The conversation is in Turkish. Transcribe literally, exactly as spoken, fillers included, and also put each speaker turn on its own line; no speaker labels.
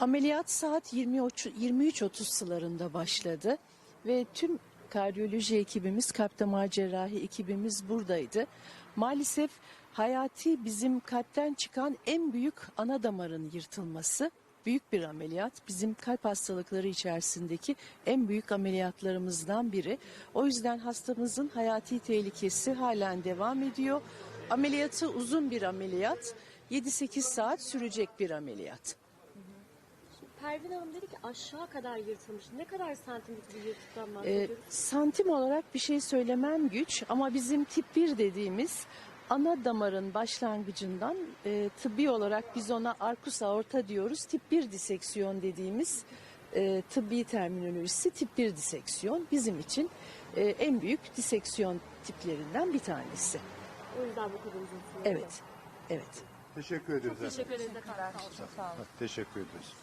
Ameliyat saat yirmi üç otuz sıralarında başladı ve tüm kardiyoloji ekibimiz, kalp damar cerrahi ekibimiz buradaydı. Maalesef hayati bizim kalpten çıkan en büyük ana damarın yırtılması. Büyük bir ameliyat. Bizim kalp hastalıkları içerisindeki en büyük ameliyatlarımızdan biri. O yüzden hastamızın hayati tehlikesi halen devam ediyor. Ameliyatı uzun bir ameliyat. yedi sekiz saat sürecek bir ameliyat.
Pervin Hanım dedi ki aşağı kadar yırtılmış. Ne kadar santimlik bir yırtıktan
Ee,
bahsediyoruz?
santim olarak bir şey söylemem güç ama bizim tip bir dediğimiz ana damarın başlangıcından e, tıbbi olarak biz ona arkus aorta diyoruz. Tip bir diseksiyon dediğimiz e, tıbbi terminolojisi tip bir diseksiyon bizim için e, en büyük diseksiyon tiplerinden bir tanesi.
O yüzden bu kadar uzun sürüyor.
Evet, evet.
Teşekkür ederiz.
Teşekkür ederiz efendim.
Teşekkür ederiz.